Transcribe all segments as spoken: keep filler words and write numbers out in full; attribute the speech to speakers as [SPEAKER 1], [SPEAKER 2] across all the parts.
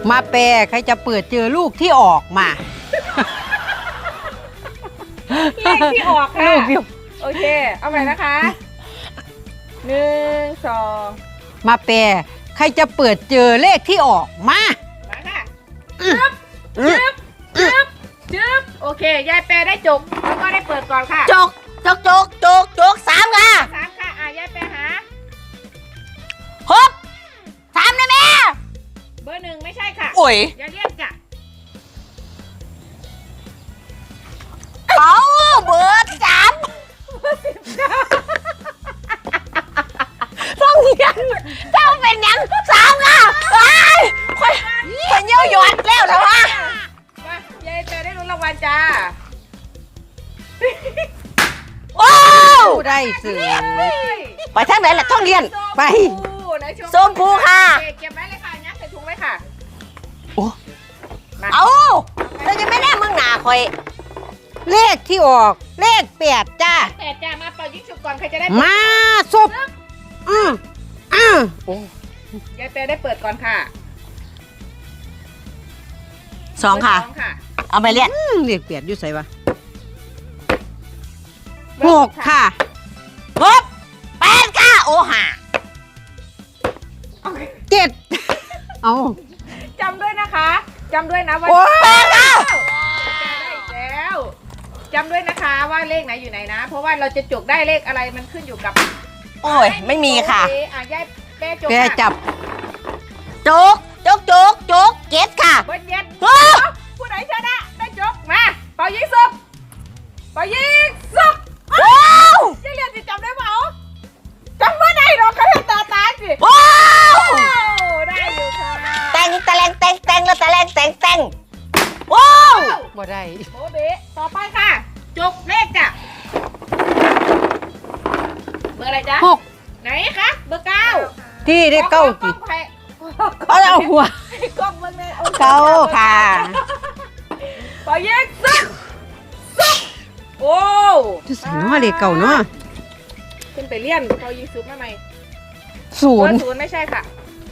[SPEAKER 1] มาแปลใครจะเปิดเจอลูกที่ออกมา
[SPEAKER 2] เลขที่ออกค่ะ
[SPEAKER 1] ลูกที่
[SPEAKER 2] โอเคเอาใหม่นะคะหนึ่งสอง
[SPEAKER 1] มาแปลใครจะเปิดเจอเลขที่ออกมา
[SPEAKER 2] มาค่ะจึ๊บจึ๊บจึ๊บจึ๊บโอเคยายแปรได้จกแล้วก็ได้เปิดก่อนค่ะ
[SPEAKER 3] จกจกจกจกจกสามค่ะ
[SPEAKER 2] สามค่ะอ่ะยายแปรหา
[SPEAKER 3] หกสามนะแม่
[SPEAKER 2] เบอร์หนึ่งไม่ใช่ค่ะ
[SPEAKER 3] โอ้ย
[SPEAKER 2] อย่าเรียกจ้ะ
[SPEAKER 3] เอาเบอร์สามต้องเรียนเจ้าเป็นยังสามค่ะไอ้คนคนเยี่ยวหยอดแล้วเหรอวะ
[SPEAKER 2] มายายแปรได้ลุ้นรางวัลจ้า
[SPEAKER 3] โอ้
[SPEAKER 1] ได้สื่อ
[SPEAKER 3] ไปทางไหนล่ะต้องเรียน
[SPEAKER 1] ไป
[SPEAKER 3] ส้มผูค่ะ
[SPEAKER 2] เก็บไว้เลยค่ะยัดใส่ถุงไว้ค่ะ
[SPEAKER 3] โอ้เอาเราจะไม่ได้มึงหนาคอย
[SPEAKER 1] เลขที่ออกเลขแปดจ้า
[SPEAKER 2] แปดจ้ามาเป่ายิงฉุบก่อนใครจะได้
[SPEAKER 1] มาศพอืออือโอ้
[SPEAKER 2] ยายแปรได้เปิดก่อนค่ะ
[SPEAKER 3] สองค่ะเอาไปเรียน
[SPEAKER 1] เลขแปดอยู่ใส่วะหกค่ะ
[SPEAKER 3] หกแปดค่ะโอ้ห่า
[SPEAKER 1] เจ็ดเอา
[SPEAKER 2] จำด้วยนะคะจำด้วยนะว่า
[SPEAKER 3] แปดค่ะ
[SPEAKER 2] ได้อีกแล้วจำด้วยนะคะว่าเลขไหนอยู่ไหนนะเพราะว่าเราจะจกได้เลขอะไรมันขึ้นอยู่กับ
[SPEAKER 3] โอ้ยไม่มีค่ะ
[SPEAKER 2] อ่ะยายแปรจก
[SPEAKER 1] แปรจับ
[SPEAKER 3] จกจกจกจกเจ็ดค่ะ
[SPEAKER 2] เบิ้ลเย็ดผู้ไหนชนะได้จกมาเป่ายิงซุบเป่ายิงซุบ
[SPEAKER 3] ว้าว
[SPEAKER 2] ยังเรียนจะจำได้เปล่าจำว่าได้หรอกเขาเห็นตาตาสิ
[SPEAKER 3] ว้าว
[SPEAKER 2] ได้อยู่ค่ะ
[SPEAKER 3] แต่งตะแลงแต่งแต่งแล้วตะแลงแต่งแต่งว้าว
[SPEAKER 1] บ่ได้
[SPEAKER 2] โบเบะต่อไปค่ะจกเลขจ้ะเบอร์อะไรจ๊ะ
[SPEAKER 1] หก
[SPEAKER 2] ไหนคะเบอร์เก้า
[SPEAKER 1] ที่ได้เก้ากี่
[SPEAKER 2] เอา
[SPEAKER 1] เอาหัว
[SPEAKER 2] กล้องเบอร์เลย
[SPEAKER 1] เก้าค่ะ
[SPEAKER 2] ปอเย็กซึกซึกโอ้
[SPEAKER 1] จะใส่น้อเลขเก่าเนาะ
[SPEAKER 2] ขึ้นไปเลี่ยนปอยิงซุปมาใหม่
[SPEAKER 1] ศูนย์
[SPEAKER 2] ศูนย์ไม่ใช่ค่ะ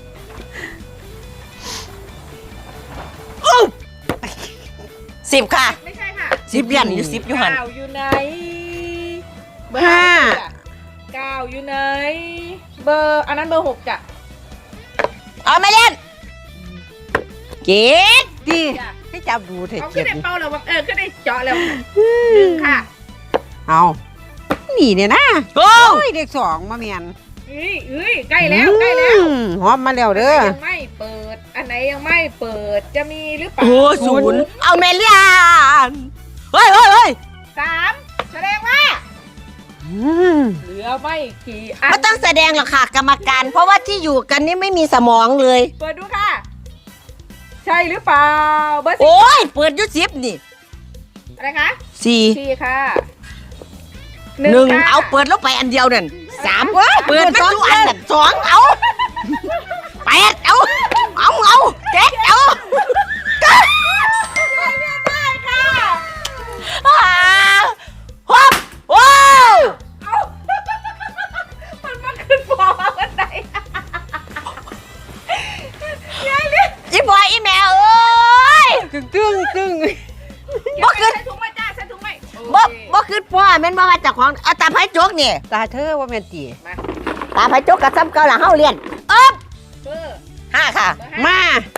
[SPEAKER 3] สิบค่ะ
[SPEAKER 2] ไม่ใช่ค่ะ
[SPEAKER 3] สิบเลี่ยนอยู่สิบอยู่หัน
[SPEAKER 2] เก้าอยู่ไหนเบอร์ห้าเก้าอยู่ไหนเบอร์อันนั้นเบอร์หกจ้ะ
[SPEAKER 3] เอาไม่เล่นเจ็ด
[SPEAKER 1] ดีให้จับดูเถอะ
[SPEAKER 2] เอาขึ้นได้เป้าแล้วเออขึ้นได้เจาะแล้วหนึ่งค่ะ
[SPEAKER 1] เอานี่เนี่ยนะโอ้ยเด็กสองมาเมียน
[SPEAKER 2] เอ้ยเอ้ยใกล้แล้วใกล้แล้ว
[SPEAKER 1] หอมมาแล้วเด้อ
[SPEAKER 2] ยังไม่เปิดอันไหนยังไม่เปิดจะมีหรือเปล่า
[SPEAKER 3] โอ้ศูนย์เอาเมเลียนเฮ้ยเฮ้ยเฮ้ย
[SPEAKER 2] สามแสดงว่าเหลือไม่กี่อัน
[SPEAKER 3] ไม่ต้องแสดงหรอกค่ะกรรมการเพราะว่าที่อยู่กันนี่ไม่มีสมองเลย
[SPEAKER 2] เปิดดูค่ะใช่หรือเปล่าเบอร์สิบ
[SPEAKER 3] โอ้ยเปิดยุสิบนี่
[SPEAKER 2] อะไรคะ
[SPEAKER 3] สี่
[SPEAKER 2] สี่ค่ะ
[SPEAKER 3] หนึ่งเอาเปิดแล้วไปอันเดียวนั่นสามเปิดไม่รู้อันนั่นสองเอาแปดเอาเอาเอาเจ็ดเอา
[SPEAKER 2] ไม่ได้ค่ะ
[SPEAKER 3] ฮอปว้าว
[SPEAKER 2] เอามันมาขึ้นฟอร์วันไหนยายเรียก
[SPEAKER 3] อีบอยอีแมวเอ้ย
[SPEAKER 1] ตึ้งตึ้งตึ้ง
[SPEAKER 2] บ่ขึ้นถุงมาจ้าใส่ถุงไหม
[SPEAKER 3] บ่บ่ขึ้นพ่อแม่นบ่มาจากของเอาตาไผ่จกนี่
[SPEAKER 1] ตาเธอว่าแม่นตี
[SPEAKER 3] ตาไผ่จกกับซ้ำเก่าหลังเฮาเรียนเอ๊บ
[SPEAKER 2] เบอร์
[SPEAKER 3] ห้าค่ะ
[SPEAKER 1] มา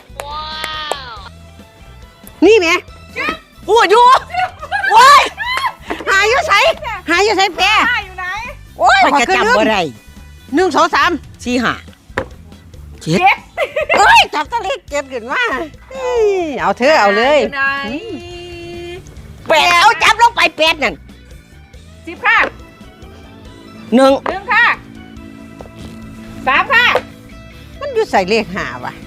[SPEAKER 1] นี่แม่
[SPEAKER 3] พูดอยู่โอ้ย
[SPEAKER 1] หาอยู่ไสหาอยู่ไสแปร
[SPEAKER 2] อยู่ไหน
[SPEAKER 1] โอ้ย
[SPEAKER 3] ขอจำบ่ได้
[SPEAKER 1] หนึ่งสองสาม
[SPEAKER 3] สี่ห้าเจ็ด
[SPEAKER 1] เอ้ยจับตะเลขเก็บขึ้นมาเอาเธอเอาเลย
[SPEAKER 3] แปดเอาจับลงไปแปดนั่น
[SPEAKER 2] สิบค่ะ
[SPEAKER 3] หนึ่ง
[SPEAKER 2] หนึ่งค่ะสามค่ะ
[SPEAKER 1] มันอยู่ใส่เลขห้าว่ะ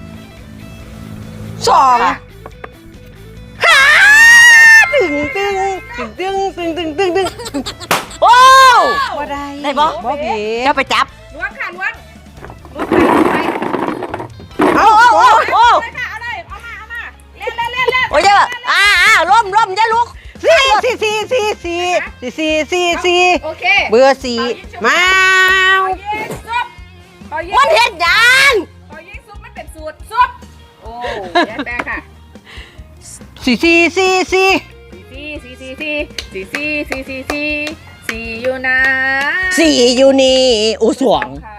[SPEAKER 1] สองห้าตึงตึงตึงตึงตึงตึงตึงตึง
[SPEAKER 3] โอ้
[SPEAKER 1] บ่ได้
[SPEAKER 3] ได้บ่
[SPEAKER 1] บ่เอ๋
[SPEAKER 3] จะไปจับ
[SPEAKER 2] ล้วงค่ะล้วงล้วงไป
[SPEAKER 1] เอาเอาเอา
[SPEAKER 2] เอาเลยค่ะเอาเลยเอามาเอามาเล่นเล่นเล่นเล่น
[SPEAKER 3] โอ้ยอ่าอ่าล้มล้มอย่าลุก
[SPEAKER 1] สี่สี่สี่สี่สี่สี่สี่สี่
[SPEAKER 2] โอเค
[SPEAKER 1] เบอร์สี่มา
[SPEAKER 2] ยิงซุป
[SPEAKER 3] มันเห็นยัง
[SPEAKER 2] พอยิงซุปมันเป็นสูตรซุปโอ้ยายแปรค่ะ
[SPEAKER 1] สี่สี่สี่สี่
[SPEAKER 2] สี่สี่สี่สี่สี่สี่สี่สี่สี่สี่อยู่นะ
[SPEAKER 3] สี่อยู่นี่อูสวง
[SPEAKER 2] ค่ะ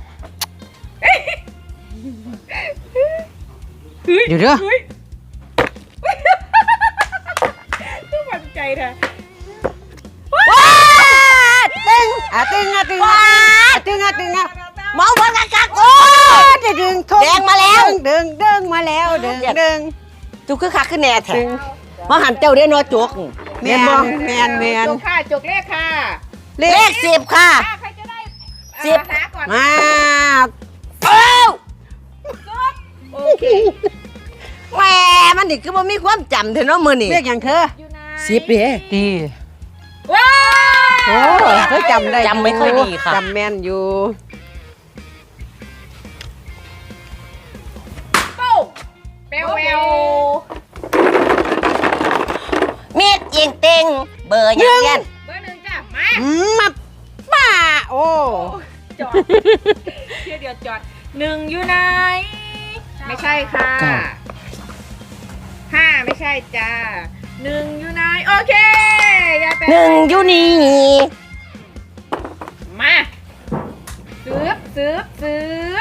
[SPEAKER 1] เดี๋ยวเด้อ
[SPEAKER 2] เฮ้ยต้องมั่นใจนะ
[SPEAKER 3] ว้าด
[SPEAKER 1] ตึงอ่ะตึงอ่ะตึงอ่ะตึงอ่ะตึงอ่ะ
[SPEAKER 3] เมาบอลกันกักโอ้
[SPEAKER 1] โอ้
[SPEAKER 3] ย
[SPEAKER 1] จะดึงทง
[SPEAKER 3] แดงมาแล้ว
[SPEAKER 1] ดึงดึงมาแล้วดึงดึง
[SPEAKER 3] จุกคือคักคือแหน่แท้มาหันเจ้าเด้อนอจุก
[SPEAKER 1] แมนบ่แมนแมน
[SPEAKER 2] จกค่ะจกเลขค่ะ
[SPEAKER 1] เล
[SPEAKER 3] เล
[SPEAKER 1] ข
[SPEAKER 3] ขสิบค่ะ
[SPEAKER 2] อ่ะใครจะได้
[SPEAKER 3] สิบ
[SPEAKER 2] หาก่อน
[SPEAKER 1] มา
[SPEAKER 3] เอ้า
[SPEAKER 2] โอเค
[SPEAKER 3] แหมมันนี่คือบ่มีความจำเถอะเนาะมื้อนี่
[SPEAKER 1] เลขอย่างเธอ
[SPEAKER 2] อยู่ไหน
[SPEAKER 3] สิบเด้
[SPEAKER 1] ดี
[SPEAKER 2] ว้า
[SPEAKER 1] โอ้เธอจำได้
[SPEAKER 3] จำไม่ค่อยดีค่ะ
[SPEAKER 1] จำแม่นอยู่
[SPEAKER 2] ปุ๊บเปลวเปลว
[SPEAKER 3] มีดยิงเต็งเบอร์ยังเรียน
[SPEAKER 2] เบอร์หนึ่งจ้ะมา
[SPEAKER 1] อืมมาป้าโอ้
[SPEAKER 2] จอดเที่ยวเดียวจอดหนึ่งอยู่ไหนไม่ใช่ค่ะห้าไม่ใช่จ้าหนึ่งอยู่ไหนโอเคยายแปร
[SPEAKER 3] หนึ่งอยู่นี่
[SPEAKER 2] มาซื้อซื้อซื้อ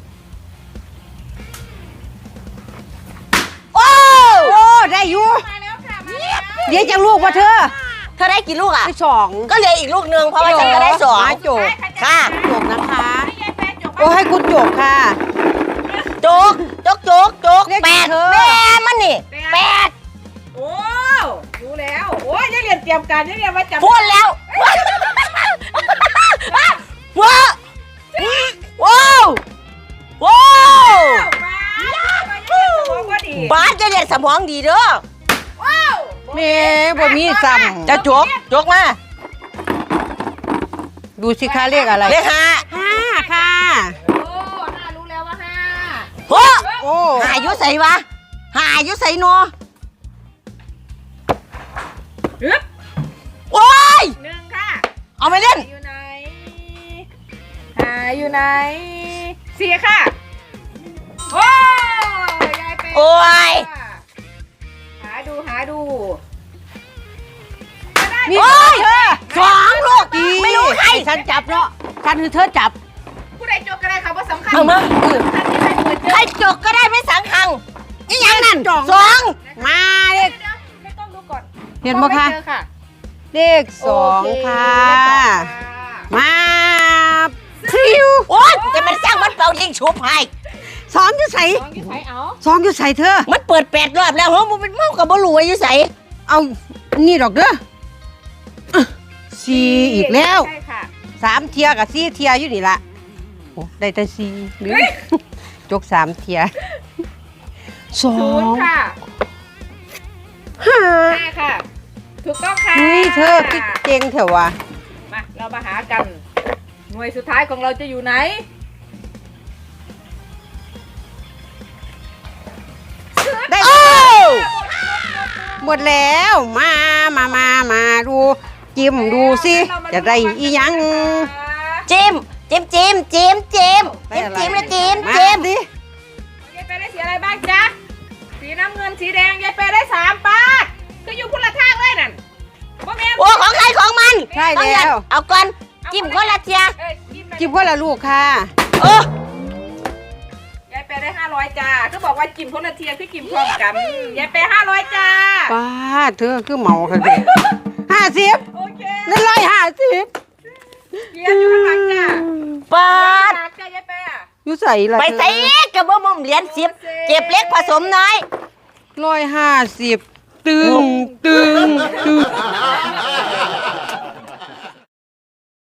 [SPEAKER 3] โอ้
[SPEAKER 1] โอ้ได้อยู่
[SPEAKER 2] มาแล้วค่ะมาแล้ว
[SPEAKER 1] เดี๋ยวจะลูกว่าเธอ
[SPEAKER 3] เธอได้กี่ลูกอ่ะ
[SPEAKER 1] ไปสอง
[SPEAKER 3] ก็เหลืออีกลูกหนึ่งเพราะว่าฉันก็ได้สอง
[SPEAKER 1] มาจบ
[SPEAKER 2] ไปใรจ
[SPEAKER 3] ค่ะ
[SPEAKER 1] จบนะคะ
[SPEAKER 2] ให้ยายแปรจบ
[SPEAKER 1] โอ้ให้คุณจบค่ะ
[SPEAKER 3] จกจกจกจก
[SPEAKER 1] เลข
[SPEAKER 3] แปด
[SPEAKER 1] เธอ
[SPEAKER 3] แม่มันนี่แปด
[SPEAKER 2] โอ้รู้แล้วโอ้ยยายเรียนเตรียมการยายเรียนมาจับ
[SPEAKER 3] พูดแล้วว้าวว้าวว้าว
[SPEAKER 2] มามาสมองก็ดี
[SPEAKER 3] บ้านจะเรียนสมองดีเด้อ
[SPEAKER 2] ว้าว
[SPEAKER 1] แม่บ่มีซ้ำ
[SPEAKER 3] จะจกจกมา
[SPEAKER 1] ดูสิคะเลขอะไร
[SPEAKER 3] เลขห้า
[SPEAKER 1] ห้าค่ะ
[SPEAKER 2] โอ้ห้ารู้แล้วว่าห้า
[SPEAKER 3] โอ้
[SPEAKER 1] โอ้
[SPEAKER 3] หายุใส่วะหายุใส่นัว
[SPEAKER 2] ฮึบ
[SPEAKER 3] โอ้ย
[SPEAKER 2] หนึ่งค่ะ
[SPEAKER 3] เอาไปเล่น
[SPEAKER 2] อยู่ไหนหาอยู่ไหนสี่ค่ะโอ้ยายเป็น
[SPEAKER 3] โอ้ย
[SPEAKER 2] หาดูหาดู
[SPEAKER 1] มี
[SPEAKER 3] โอ้ย
[SPEAKER 1] เธอ
[SPEAKER 3] สองลูก
[SPEAKER 1] ดี
[SPEAKER 3] ไม่รู้ใคร
[SPEAKER 1] ฉันจับเนาะฉันคือเธอจับ
[SPEAKER 2] ผู้ใดจบก็ได้ค่ะว่าสำคัญ
[SPEAKER 3] เอามา
[SPEAKER 2] ท่านที่ใครเปิดเจ
[SPEAKER 3] ใคร
[SPEAKER 2] อ
[SPEAKER 3] จกก็ได้ไม่สังคังนี่ยังนั่น
[SPEAKER 1] สอง
[SPEAKER 3] สอง
[SPEAKER 1] มาเล
[SPEAKER 2] เดี๋ย
[SPEAKER 1] ข
[SPEAKER 2] วเดี๋ยวไม่ต้องดูก่อน
[SPEAKER 1] เห็นบ่คะ
[SPEAKER 2] ไม่จอค่ะ
[SPEAKER 1] เลขสอง
[SPEAKER 2] โเ
[SPEAKER 1] ค่ะ
[SPEAKER 2] เลขสองค่ะ
[SPEAKER 1] มาพริว
[SPEAKER 3] โอ๊ยจะมันสร้างมันเป่ายิงชุบให้
[SPEAKER 1] สองอยู่ใส่
[SPEAKER 2] สองอยู่ไหนเอา
[SPEAKER 1] สองอยู่ใส่เธอ
[SPEAKER 3] มันเปิดแปดรอบแล้วเหรอมันเป็นเมากับบอลูอายุใส่
[SPEAKER 1] เอานี่ดอกเด้ออ่ะสี่อีกแล้ว
[SPEAKER 2] ใช่ค่ะ
[SPEAKER 1] สามเทียกับสี่เทียอยู่นี่ละโอ้ได้แต่สี่หรือ
[SPEAKER 2] เฮ้ย
[SPEAKER 1] จกสามเทียสอ
[SPEAKER 2] ศูน
[SPEAKER 1] ง
[SPEAKER 2] ย์ค่ะ
[SPEAKER 1] ห้า
[SPEAKER 2] ห้าค่ะ ถูกต้องค่ะ
[SPEAKER 1] นี่เธอคิดเก่งเถอะวะ
[SPEAKER 2] มาเรามาหากัน หน่วยสุดท้ายของเราจะอยู่ไหน
[SPEAKER 1] ได้
[SPEAKER 3] โอ้
[SPEAKER 1] หมดแล้วมามามามาดูจิ้มดูสิจะได้อีหยัง
[SPEAKER 3] จิมจิมจิมจิมจิมจิมจิมนะจิม
[SPEAKER 1] มา
[SPEAKER 3] จิม
[SPEAKER 1] สิ
[SPEAKER 2] ยายเปได้สีอะไรบ้างจ๊ะ สีน้ำเงินสีแดงยายเปได้สามปาดก็อยู่พุ่นละทางเลยนั่นบ่แม่น
[SPEAKER 3] โอ้ของใครของมัน
[SPEAKER 1] ใช่
[SPEAKER 3] ต้อง
[SPEAKER 1] แล้
[SPEAKER 3] ยัด
[SPEAKER 1] ว
[SPEAKER 3] เอาก่อนจิ้มคนละเทีย
[SPEAKER 2] เอ้ยจิ้มเลย
[SPEAKER 1] จิ้มคนละลูกค่ะ
[SPEAKER 3] เออย
[SPEAKER 2] ายเปได้ห้าร้อยจ้าก็บอกว่าจิ้มคนละเทียคือจิ้มพร้อมกันยายเปห้าร้อยจ้า
[SPEAKER 1] ป้าเธอคือเมาค่ะเด็ห้าสิบ
[SPEAKER 2] โอเค
[SPEAKER 1] นั่นร้อยห้าสิบ
[SPEAKER 2] เกียร์อยู่ข้างหลังจ้า
[SPEAKER 3] ปาด
[SPEAKER 2] หลังจ้ายายเปอะ
[SPEAKER 1] อยู่ใส่ละ
[SPEAKER 3] ไปใส่กับบ่มุมเหรียญสิบเก็บเล็กผสมน้อย
[SPEAKER 1] ร้อยห้าสิบตึงตึงตึง